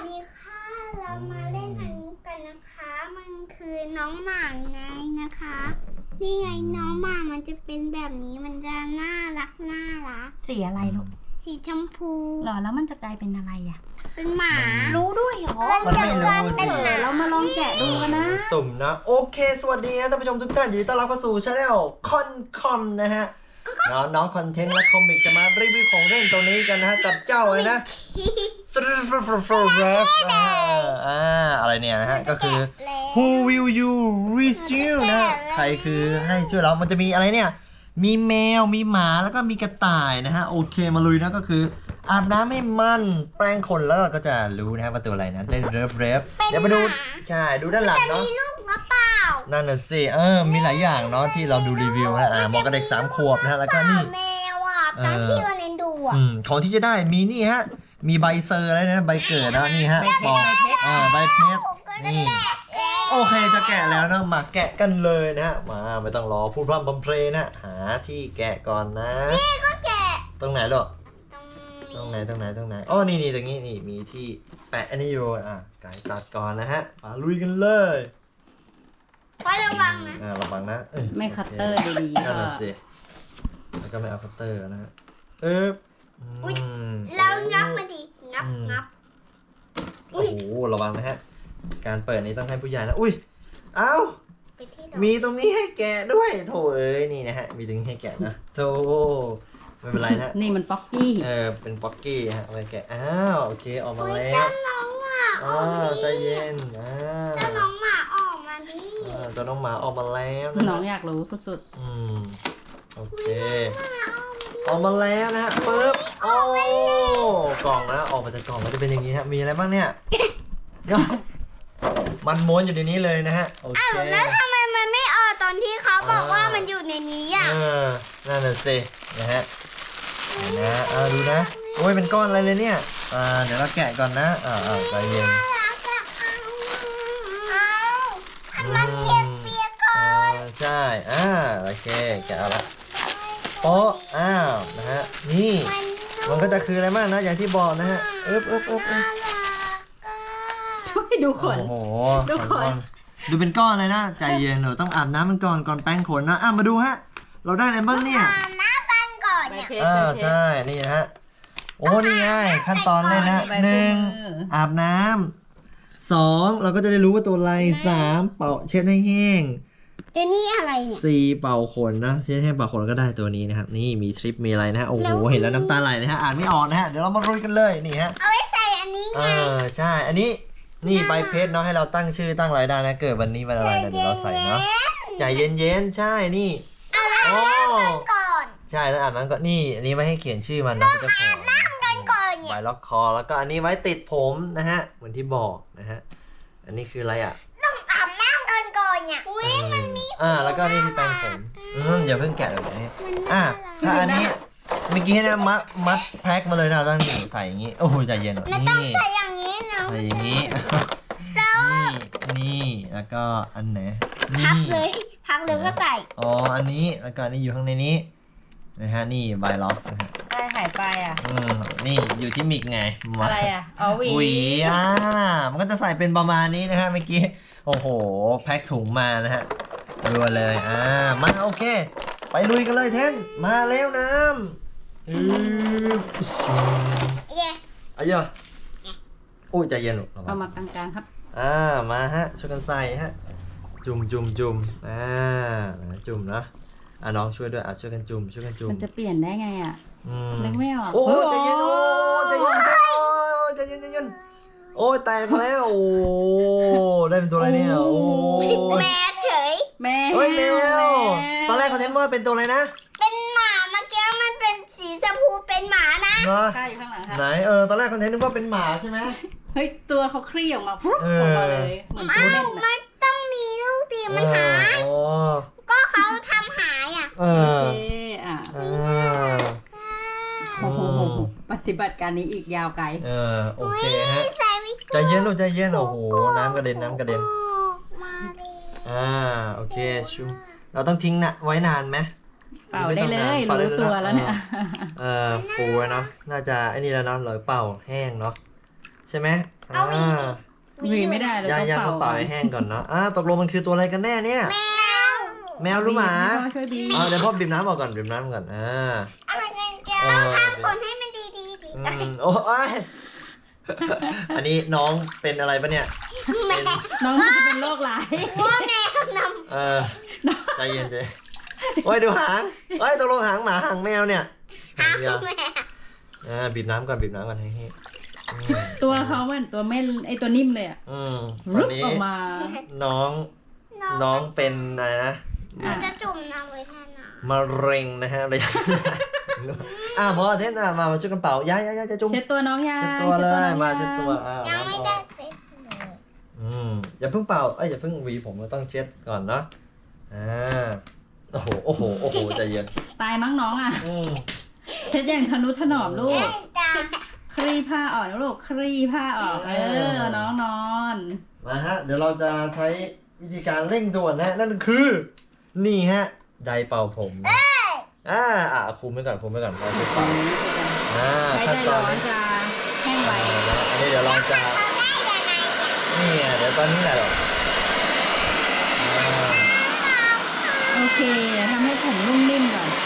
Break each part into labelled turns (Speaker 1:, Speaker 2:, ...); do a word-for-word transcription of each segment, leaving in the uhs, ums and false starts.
Speaker 1: ดีค่ะเรามาเล่นอันนี้กันนะคะมันคือน้องหมาไงนะคะนี่ไงน้องหมามันจะเป็นแบบนี้มันจะน่ารักน่ารัก
Speaker 2: สีอะไรลูก
Speaker 1: สีชมพู
Speaker 2: หรอแล้วมันจะกลายเป็นอะไรอ่ะ
Speaker 1: เป็นหมา
Speaker 2: รู้ด้วยเหรอ
Speaker 3: มันไม่รู้สิ
Speaker 2: เรามาลองแกะดูกันนะ
Speaker 3: สุ่มนะโอเคสวัสดีนะท่านผู้ชมทุกท่านยินดีต้อนรับเข้าสู่ช anel คอนคอมนะฮะน้องน้องคอนเทนต์และคอมิกจะมารีวิวของเล่นตัวนี้กันนะฮะกับเจ้าเลยนะสตรีฟฟฟเรฟอ่าอะไรเนี่ยนะฮะก็คือ Who will you rescue นะใครคือให้ช่วยเรามันจะมีอะไรเนี่ยมีแมวมีหมาแล้วก็มีกระต่ายนะฮะโอเคมาลุยนะก็คืออาบน้ำให้มันแปรงขนแล้วก็จะรู้นะฮะว่าตัวอะไรนะได้เรฟเรฟเดี๋ยวมาดูใช่ดูด้านหลังเนาะ
Speaker 1: มีลูกหรือเปล่า
Speaker 3: นั่นน่ะสิเออมีหลายอย่างเนาะที่เราดูรีวิวนะอ่ามอก็เด็กสามขวบนะฮะแล้วก็นี่
Speaker 1: แมวอ่ะตอนที่วันเนนดูอ่ะ
Speaker 3: อืมของที่จะได้มีนี่ฮะมีใบเซอร์อะไรนะใบเกิดนะนี่ฮะปอกอ่าใบเพชรนี่โอเคจะแกะแล้วนะมาแกะกันเลยนะฮะมาไม่ต้องรอพูดพร่ำบำเพลนะหาที่แกะก่อนนะ
Speaker 1: นี่ก็แกะ
Speaker 3: ตรงไหนหรอ
Speaker 1: ตรง
Speaker 3: ตรงไหนตรงไหนตรงไหนอ๋อนี่นี่ตรงนี้นี่มีที่แปะอันนี้อยู่อ่ะไก่ตัดก่อนนะฮะมาลุยกันเลย
Speaker 1: ไว้ระวังนะ
Speaker 3: อ่าระวังนะ
Speaker 2: ไม่คัตเตอร์ดีๆ
Speaker 3: นั่นแหละสิแล้วก็ไม่เอาคัตเตอร์นะฮะเออ
Speaker 1: แล้วงับมาดิงับงับ
Speaker 3: โอ้โหระวังนะฮะการเปิดนี้ต้องให้ผู้ใหญ่นะอุ้ยเอ้ามีตรงนี้ให้แกะด้วยโถเอ้ยนี่นะฮะมีตรงนี้ให้แกะนะโถไม่เป็นไรนะ
Speaker 2: นี่มันป๊อกกี้
Speaker 3: เออเป็นป๊อกกี้ฮะเอาไปแกะอ้าวโอเคออกมาแล้วเจ้า
Speaker 1: น้องหมาออก
Speaker 3: มาใจเย็นอ่า
Speaker 1: เจ้าน้องหมาออกมาดิ
Speaker 3: เจ้าน้องหมาออกมาแล้ว
Speaker 2: น้องอยากรู้สุด
Speaker 3: ๆอืมโอเคออกมาแล้วนะฮะปึ๊บโอ้กล่องนะออกมาจากกล่องมันจะเป็นอย่างนี้ฮะมีอะไรบ้างเนี่ยมันม้วนอยู่ในนี้เลยนะฮะโอเค
Speaker 1: แล้วทำไมมันไม่ออกตอนที่เขาบอกว่ามันอยู่ในนี้อ่ะ
Speaker 3: เออนั่นน่ะสินะฮะนะอ่าดูนะโอ้ยเป็นก้อนอะไรเลยเนี่ยอ่าเดี๋ยวเราแกะก่อนนะอ่าอ่าใจเย็น
Speaker 1: มันเปียกเปียกก่อน
Speaker 3: ใช่อ่าโอเคแกะเอาละโป๊ะอ้าวนะฮะนี่มันก็จะคืออะไรมากนะอย่างที่บอกนะฮะเอ๊บเอ๊บเอ๊บเอ๊บ
Speaker 2: ดูขน
Speaker 3: โอ้โหดูขนดูเป็นก้อนเลยนะใจเย็นหนูต้องอาบน้ำมันก่อนก่อนแป้งขนนะอ่ะมาดูฮะเราได้อะไรบ้างเนี่ย
Speaker 1: อาบน้ำกันก่อนเนี่ย
Speaker 3: อ่าใช่นี่นะฮะโอ้นี่ไงขั้นตอนเลยนะหนึ่งอาบน้ำสองเราก็จะได้รู้ว่าตัวอะไรสามเป่าเช็ดให้แห้ง
Speaker 1: ตัวนี้อะไรเนี่ย
Speaker 3: สี่เป่าขนนะเช็ดให้เป่าขนก็ได้ตัวนี้นะครับนี่มีทริปมีอะไรนะฮะโอ้โหเห็นแล้วน้ำตาไหลเลยฮะอ่านไม่ออกนะฮะเดี๋ยวเรามาลุยกันเลยนี่ฮะ
Speaker 1: เอาไว้ใส่อันนี้ไง
Speaker 3: เออใช่อันนี้นี่ใบเพชรเนาะให้เราตั้งชื่อตั้งรายได้นะเกิดวันนี้วันอะไรนะเดี๋ยวเราใส่เนาะใจเย็นๆใช่นี่
Speaker 1: โอ้ก่อน
Speaker 3: ใช่แล้วอ่านนั้นก็นี่อันนี้ไว้ให้เขียนชื่อมันนะจะขอ
Speaker 1: น้ำกันก่อนเนี่ย
Speaker 3: ไว้ล็อกคอแล้วก็อันนี้ไว้ติดผมนะฮะเหมือนที่บอกนะฮะอันนี้คืออะไรอ่ะ
Speaker 1: ต้องอาบน้ำกันก่อนเนี่ยอุ้ยมันมี
Speaker 3: อ่าแล้วก็นี่ที่แปรงผมอืมอย่าเพิ่งแกะเลยนะอ่ะถ้าอันนี้เมื่อกี้นะมัดมัดแพ็คมาเลยนะต้องใส่อย่างนี้โอ้โหใจเย็น
Speaker 1: ไม่ต้องใส่อย่างนี้นะ
Speaker 3: ใส่อย่างนี้นี่นี่แล้วก็อันไหน
Speaker 1: พับเลยพับเลยก็ใส่
Speaker 3: อ๋ออันนี้แล้วก็นี่อยู่ข้างในนี้นะฮะนี่ใบล็อกนะฮะ
Speaker 2: อะไรหายไปอ่ะ
Speaker 3: อืมนี่อยู่ที่มิกไง
Speaker 2: อะไรอ่ะอ๋อหวี
Speaker 3: หวีอ่ามันก็จะใส่เป็นประมาณนี้นะฮะเมื่อกี้โอ้โหแพ็คถุงมานะฮะรัวเลยอ่ามาโอเคไปลุยกันเลยเทนมาแล้วน้ำอือ
Speaker 1: เย่
Speaker 3: อายะอุ้ยใจเย็นหรอก
Speaker 2: เอามากลางๆครับ
Speaker 3: อ่ามาฮะช่วยกันใส่ฮะจุ่มจุ่มจุ่มอ่าจุ่มนะอ่ะน้องช่วยด้วยอ่ะช่วยกันจุ่มช่วยกันจุ่ม
Speaker 2: มันจะเปลี่ยนได้ไงอ่ะนึกไม่ออก
Speaker 3: โอ้ใจเย็นโอ้ใจเย็นใจเย็นใจเย็นโอ้ยแตกมาแล้วโอ้ได้เป็นตัวอะไรเนี่ยโอ้
Speaker 1: แม่เฉย
Speaker 2: แม่
Speaker 3: เฮ้ยแมวตอนแรกเขาเทนว่าเป็นตัวอะไรนะ
Speaker 1: เป็นหมาเมื่อกี้มันเป็นสีชมพูเป็นหมานะ
Speaker 2: ใช่ข้างหลังครับ
Speaker 3: ไหนเออตอนแรกคอนเทนต์นึกว่าเป็นหมาใช่ไหม
Speaker 2: เฮ้ยตัวเขาคลี่ออกมาฟุ๊บออกมาเลยเหมือน
Speaker 1: ตัวเล่นมันต้องมีลูกตีมันหายก็เขาทำหายอ่ะ
Speaker 3: เออ
Speaker 2: อ่ะโอ้โหปฏิบัติการนี้อีกยาวไกล
Speaker 3: เออโอเคฮะใจเย็นลูกใจเย็นโอ้โหน้ำกระเด็นน้ำกระเด็นอ่าโอเคชูเราต้องทิ้งนะไว้นานไหม
Speaker 2: เป่าได้เลยรู้ตัวแล้วเนี่ย
Speaker 3: เออฟูเนาะน่าจะไอ้นี่แล้วเนาะหรือเป่าแห้งเนาะใช่ไหม
Speaker 1: เอาหวีดิ
Speaker 2: หวีไม่ได้เลย
Speaker 3: ย่า
Speaker 2: ต้อง
Speaker 3: ย่า
Speaker 2: เป่า
Speaker 3: ต้องเป่าให้แห้งก่อนเนาะอ่าตกลงมันคือตัวอะไรกันแน่เนี่ย
Speaker 1: แมว
Speaker 3: แมวหรือหมา
Speaker 2: พ่อช่วยบีบ
Speaker 3: อ่าเดี๋ยวพ่อบีบน้ำออกก่อนบีบน้ำก่อนอ่า
Speaker 1: อะไรกันเจ้า
Speaker 3: เออ
Speaker 1: ต้องทำผลให้มันดีดีดี
Speaker 3: อืมโอ้ยอันนี้น้องเป็นอะไรปะเนี่ย
Speaker 1: แมว
Speaker 2: น้องมันจะเป็นโรคร้าย
Speaker 1: ว่าแมวนำ
Speaker 3: เออใจเย็นใจโอ้ยดูหางเอ้ยตกลงหางหมาหางแมวเนี่ย
Speaker 1: หา
Speaker 3: เดียว
Speaker 1: แมว
Speaker 3: อ่าบีบน้ำก่อนบีบน้ำก่อนให้ให้อืม
Speaker 2: ตัวเขาเหมือนตัวเม่นไอตัวนิ่มเลยอะ
Speaker 3: อืมต
Speaker 2: รุ
Speaker 3: อน
Speaker 2: ด
Speaker 3: นี้
Speaker 2: ออกมา
Speaker 3: น้องน้องเป็นอะไรนะ
Speaker 1: เราจะจุ่มน้ำไว้แทนน้
Speaker 3: มะเร็งนะฮะระยะ อ่าพอเทนอ่ะมามาช่วยกันเป่าย้ายย้ายย้ายจะจุ่ม
Speaker 2: เช็ดตัวน้องยา
Speaker 3: เช็ดตัวเลย
Speaker 2: น้อง
Speaker 3: มาเช็ดตัวอ่า
Speaker 1: ำยังไม่
Speaker 3: น้ำอ
Speaker 1: ได้
Speaker 3: อก
Speaker 1: เสร็จเลย
Speaker 3: อืมอย่าเพิ่งเป่าเอ้ยอย่าเพิ่งหวีผมเราต้องเช็ดก่อนเนาะอ่าโอ้โหโอ้โหโอ้โหใจเย็น
Speaker 2: ตายมั้งน้องอ่ะ
Speaker 3: อืม
Speaker 2: เช็ดอย่างทนุถนอมลูก
Speaker 1: จ้า
Speaker 2: คลี่ผ้าออกนะลูก คลี่ผ้าออก เออ น้องนอน
Speaker 3: มาฮะเดี๋ยวเราจะใช้วิธีการเร่งด่วนนะนั่นคือ นี่ฮะไดร์เป่าผมอ่าอ่าคุมไว้ก่อนคุมไว้ก่อนเราจะเป่าอ่า
Speaker 2: ใช้
Speaker 3: ขั้น
Speaker 2: ใจ
Speaker 3: ตอ
Speaker 2: ร้
Speaker 3: น
Speaker 2: อน
Speaker 3: นี้
Speaker 2: จะแห้งไว
Speaker 3: อันนี้เดี๋ยวเราจะ
Speaker 1: เขาได้ยังไงเนี่ย
Speaker 3: นี่ไงเดี๋ยวตอนนี้แหละหรอกอ่า
Speaker 2: โอเคเดี๋ยวทำให้ผมนุ่มนิ่มก่อน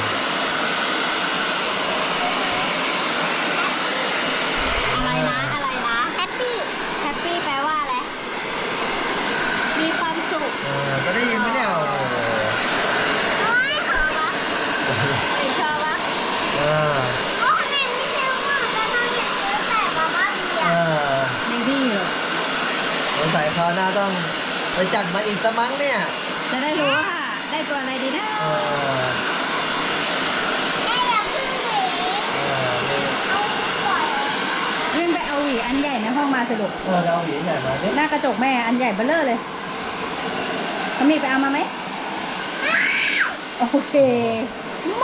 Speaker 2: อะไรนะ อะไรนะ
Speaker 1: แฮปปี้
Speaker 2: แฮปปี้แปลว่าอะไร มีความสุข
Speaker 3: เออจะได้ยินไหมเนี่ยโอ้โห
Speaker 1: โอ้ยขอวะ
Speaker 2: ชอบปะ
Speaker 3: อ่า
Speaker 1: โอ้ยแม่ไม่เชื่อว่าจะทำอย่างนี้แต่มาบ้าเบีย
Speaker 3: อ่า
Speaker 2: ในที่เหรอ
Speaker 3: สงสัยคราวหน้าต้องไปจัดมาอีกสกมั้งเนี่ย
Speaker 2: จะได้รู้ว่า ได้ตัวอะไรดีนะ
Speaker 3: เออ
Speaker 1: แม่อย่าเพึ่งหนี
Speaker 3: เออนี่
Speaker 1: เอาปล่อย
Speaker 2: วิ่งไปเอาหวีอันใหญ่ในห้องมาสรุป
Speaker 3: เออเราเอาหวีใหญ่มาเนี่ย
Speaker 2: หน้ากระจกแม่อันใหญ่เบ้อเร่อเลยเขามีไปเอามาไหม โอเค ไม่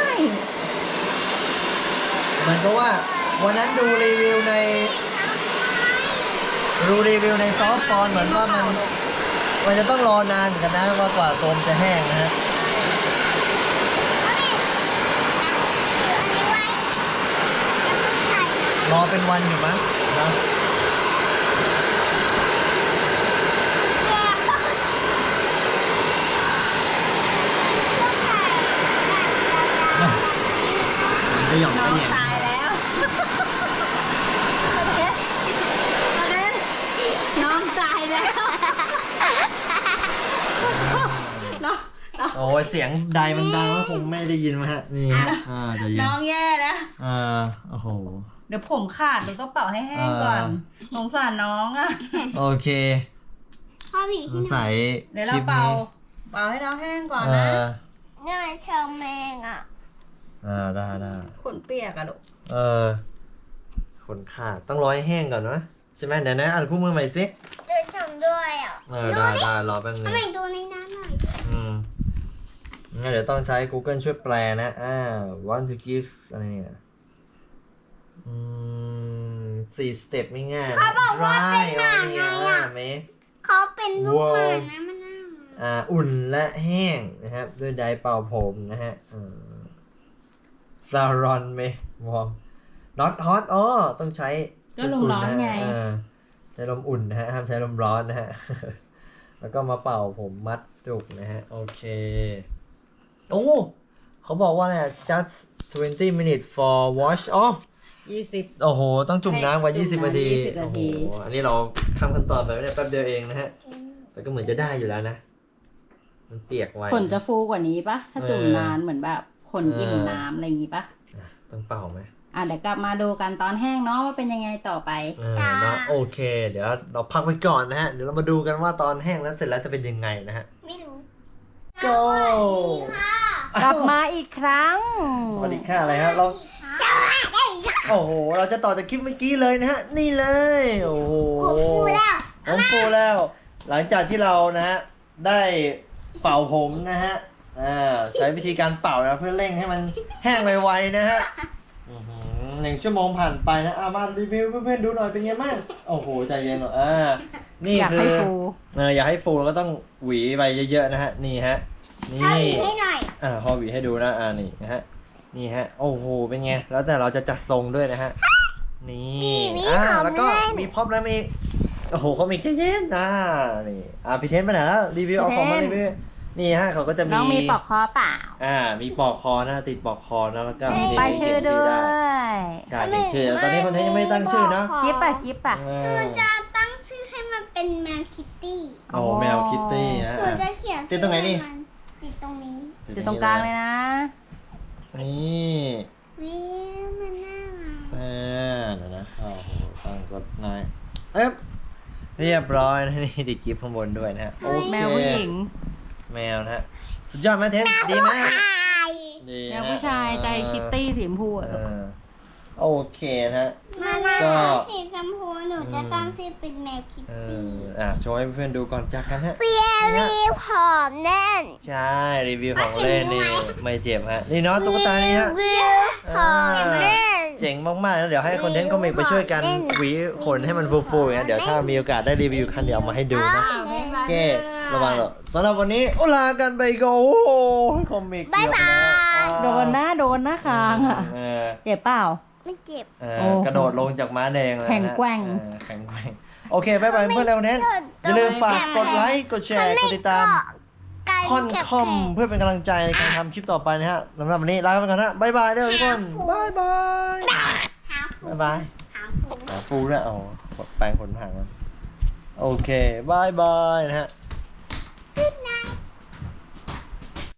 Speaker 3: มันก็ว่าวันนั้นดูรีวิวในดูรีวิวในซอฟต์ฟอนเหมือนว่ามันมันจะต้องรอนานเหมือนกันนะว่ากว่าโฟมจะแห้งนะฮะ
Speaker 1: เอาดิถืออันนี้ไว้อย่าเพิ่งใส่นะ
Speaker 3: รอเป็นวันอยู่มั้งนะ
Speaker 1: เดี๋ยวต้องใส่
Speaker 3: จะหย่อน
Speaker 2: น้
Speaker 3: ก็
Speaker 2: อง
Speaker 3: เหนียง
Speaker 2: ตายแล้วน้องตายแล้วน้องน้อง
Speaker 3: โอ้ยเสียงใดมันดังก็คงไม่ได้ยินมั้งฮะนี่ฮะอ่าจะยิน
Speaker 2: น้องแย่แล้ว
Speaker 3: อ่าโอ้โห
Speaker 2: เดี๋ยวผมขาดหนูต้องเป่าให้แห้งก่อน
Speaker 3: อ่า
Speaker 2: สงสารน้องอ่ะ
Speaker 3: โอเค
Speaker 1: พ่อหวี
Speaker 3: สงสัย
Speaker 2: เดี๋ยว
Speaker 3: ค
Speaker 2: เรา
Speaker 3: ลิป
Speaker 2: เป่า
Speaker 3: นี้
Speaker 2: เป่าให้น้องแห้งก่อน
Speaker 3: เอ
Speaker 2: นะ
Speaker 3: อ
Speaker 1: เนี่ยชาวแมงอ่ะ
Speaker 3: อ่าได้ได้
Speaker 2: ขนเปียกอะลูก
Speaker 3: เออขนขาดต้องรอให้แห้งก่อนนะใช่ไหมเดี๋ยวนะอ่านคู่มือใหม่สิ
Speaker 1: เดินชมด้วยอ่ะ
Speaker 3: เออได้ได้รอแป๊บนึ
Speaker 1: ทำ
Speaker 3: ง
Speaker 1: ไมดูในน้ำหน่อย
Speaker 3: อืมงั้นเดี๋ยวต้องใช้ Google ช่วยแปลนะอ่า want to give อะไรเนี่ยอืมสี่สเต็ปไม่ง่ายนะ
Speaker 1: เขาบอกว่าเป็นหมา
Speaker 3: dry
Speaker 1: ไง
Speaker 3: เอา
Speaker 1: อ่ะ
Speaker 3: เนี่ยไหม
Speaker 1: เขาเป็นลูกหมานะมันน่า
Speaker 3: อ่าอุ่นและแห้งนะครับ ด้วยไดร์เป่าผมนะฮะซารอนไหมวอร์ม not hot อ๋อต้องใช้
Speaker 2: ก็ลมร้อนไง
Speaker 3: เออใช้ลมอุ่นนะฮะห้ามใช้ลมร้อนนะฮะ แล้วก็มาเป่าผมมัดจุกนะฮะ โอเค โอ้เขาบอกว่าเนี่ย just twenty minutes for wash อ๋อ
Speaker 2: ยี่สิบ
Speaker 3: โอ้โห ต้องจุ่มน้ำกว่า
Speaker 2: ให้จุ่
Speaker 3: ยี่สิบ
Speaker 2: มน้ำ
Speaker 3: นาที
Speaker 2: ยี่สิบ
Speaker 3: โอ้
Speaker 2: นา
Speaker 3: โห
Speaker 2: ที
Speaker 3: อันนี้เราทำขั้นตอนไปเนี่ยแป๊บเดียวเองนะฮะ แต่ก็เหมือนจะได้อยู่แล้วนะ มันเปียกไว้
Speaker 2: ขนจะฟูกว่านี้ปะถ้าจุ่ม
Speaker 3: เออ
Speaker 2: นานเหมือนแบบขนอิ่ม
Speaker 3: เออ
Speaker 2: น้ำอะไรอย่างงี้ปะ
Speaker 3: อ่ะต้องเป่าไหม
Speaker 2: อ่ะเดี๋ยวกลับมาดูกันตอนแห้งเนาะว่าเป็นยังไงต่อไป
Speaker 3: เออเนาะโอเค เดี๋ยวเราพักไว้ก่อนนะฮะ เดี๋ยวเรามาดูกันว่าตอนแห้งแล้วเสร็จแล้วจะเป็นยังไงนะฮะ
Speaker 1: ไม่รู้
Speaker 3: go
Speaker 1: ค่ะ
Speaker 2: กลับมาอีกครั้ง
Speaker 3: สวัสดีค่ะอะไรฮะเรา
Speaker 1: สวัสดีค่ะ
Speaker 3: โอ้โห เราจะต่อจากคลิปเมื่อกี้เลยนะฮะ นี่เลย โอ้โห
Speaker 1: โอ้ฟูแล้ว
Speaker 3: ผมฟูแล้ว หลังจากที่เรานะฮะ ได้เป่าผมนะฮะ อ่า ใช้วิธีการเป่านะเพื่อเร่งให้มันแห้งไวๆนะฮะอื้อหือหนึ่งชั่วโมงผ่านไปนะอ่ะมารีวิวเพื่อนๆดูหน่อยเป็นไงบ้างโอ้โห ใจเย็นหน่อยอ่า นี่
Speaker 2: อยาก
Speaker 3: คื
Speaker 2: ให้
Speaker 3: อ
Speaker 2: ฟู
Speaker 3: เอออยากให้ฟูแล้วก็ต้องหวีไปเยอะๆนะฮะ นี่ฮะ นี่
Speaker 1: เอาอีกให้หน่อย
Speaker 3: อ่าพอหวีให้ดูนะ อ่า นี่นะฮะ นี่ฮะ โอ้โห เป็นไง แล้วแต่เราจะจัดทรงด้วยนะฮะนี่อ่าแล้วก็มีพ็อปแล้วมีโอ้โหเขามีเย็นๆนะนี่อ่าพี่เทนไปไหนแล้วรีวิวเอาของมารีวิวนี่ฮะเขาก็จะมี
Speaker 2: น้องมีปลอกคอเปล่า
Speaker 3: อ่ามีปลอกคอนะติดปลอกคอนะแล้วก็มี
Speaker 2: ป้ายชื่อด้ว
Speaker 3: ได้
Speaker 2: ย
Speaker 3: ใช่เป็นชื่อตอนนี้คนไทยยังไม่ได้ตั้งชื่อนะ
Speaker 2: กิ๊บอะกิ๊บอะ
Speaker 3: อ่
Speaker 1: หนู
Speaker 3: า
Speaker 1: จะตั้งชื่อให้มันเป็นแมวคิตตี้
Speaker 3: โอ้แมวคิตตี้นะ
Speaker 1: หนูจะเขียน
Speaker 3: ติดตรงไหนนี่
Speaker 1: ชื่อมัติดตรงนี้
Speaker 2: อยู่ตรงกลางเลยนะ
Speaker 3: นี่
Speaker 1: วิมันน่ารัก
Speaker 3: อ่าเดี๋ยวนะโอ้โหตั้งกดหน่อยเอ๊ะเรียบร้อยนะนี่ติดจิ๊บข้างบนด้วยนะฮะโอเค
Speaker 2: แมวผู้หญิง
Speaker 3: แมวนะฮะสุดยอดไหมเทนดีไหม
Speaker 1: ใช่
Speaker 3: ดี
Speaker 2: แม
Speaker 3: นะ
Speaker 2: วผู้ชายใจคิตตี้สีชมพูอะ
Speaker 3: เออโอเคนะฮะ
Speaker 1: มันน่า
Speaker 3: ก็
Speaker 1: รักสีชมพูหนูจะตั้งชื่อเป็นแมวคิต
Speaker 3: เอ
Speaker 1: ตี้
Speaker 3: ออ่ะโชว์ให้เพื่อนๆดูก่อนจากกันฮะ
Speaker 1: เปียรีผอมแน่น
Speaker 3: ใช่รีวิวของเล่นนี่ไม่เจ็บฮะนี่เนาะตุ๊กตานี่ฮะ
Speaker 1: วิวผอมแน่น
Speaker 3: เจ๋งมากๆแล้วเดี๋ยวให้คอนเทนต์คอมิกไปช่วยกันหวีขนให้มันฟูๆอย่างเงี้ยเดี๋ยวถ้ามีโอกาสได้รีวิวคันเดี๋ยวเอามาให้ดูนะ
Speaker 2: อ้าวบ๊ายบาย
Speaker 3: โอเคระวังหรอกสำหรับวันนี้อุลากันไปก่อนโอ้โหคอมิกเกี่ยวไปแล้วอ่า
Speaker 2: โดนหน้าโดนหน้าคางอะ
Speaker 3: เออ
Speaker 2: เจ็บเปล่า
Speaker 1: ไม่เจ็บ
Speaker 3: เออ
Speaker 2: โอ้
Speaker 3: กระโดดลงจากม้าแดงเลยนะ
Speaker 2: แข็งแกร่ง
Speaker 3: เออแข็งแกร่งโอเคบ๊ายบายเพื่อนแล้วเน้นอย่าลืมฝากกดไลค์กดแชร์กดติดตาม
Speaker 1: การ
Speaker 3: ค่อน
Speaker 1: เก็บ
Speaker 3: คอม
Speaker 1: แผล
Speaker 3: เพื่อเป็นกำลังใจในการทำคลิปต่อไปนะฮะสำหรับวันนี้ลาไปก่อนนะบ๊ายบายเด้อทุกคนบ๊ายบาย
Speaker 1: หาฟู
Speaker 3: บ๊ายบาย
Speaker 1: หาฟู
Speaker 3: หาปูด้วยเอาแปรงขนห่างมันโอเคบายบายนะฮะ